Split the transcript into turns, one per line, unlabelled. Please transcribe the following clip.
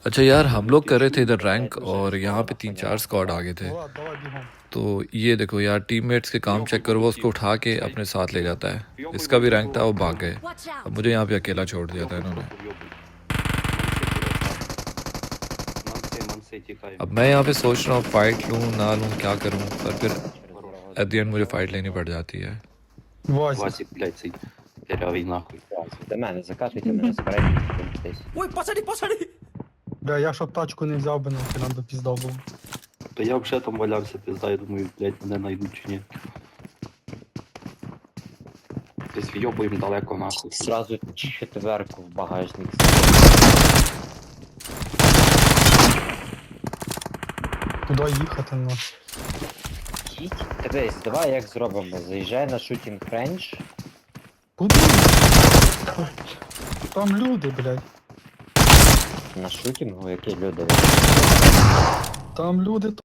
अच्छा यार, हम लोग कर रहे थे इधर रैंक और यहाँ पे 3-4 स्क्वाड आ गए थे। तो ये देखो यार, टीममेट्स के काम चेक करो, वो उसको उठा के अपने साथ ले जाता है। इसका भी रैंक था, वो भाग गए।
Watch
अब
out!
मुझे यहाँ पे अकेला छोड़ दिया था इन्होंने। अब मैं यहाँ पे सोच रहा हूँ फाइट लूँ ना लूँ, क्या करूँ, पर फिर एट द एंड मुझे फाइट लेनी पड़ जाती है।
Васик, блядь, цей дырявий нахуй.
До мене закатуйте мене, збирайте десь.
Ой, пацани, пацани!
Бля, я щоб тачку не взяв би, нахуй нам би пізда було.
То я вже там валявся, пизда, я думаю, блядь, мене знайдуть чи ні. Десь вйобуємо далеко нахуй.
Зразу четверку в багажник.
Куди їхати, ну?
Їдь. Дивись, давай як зробимо. Заїжджай на шутінг рейндж.
Куди? Там люди, блядь.
На шутінгу, які люди.
Там люди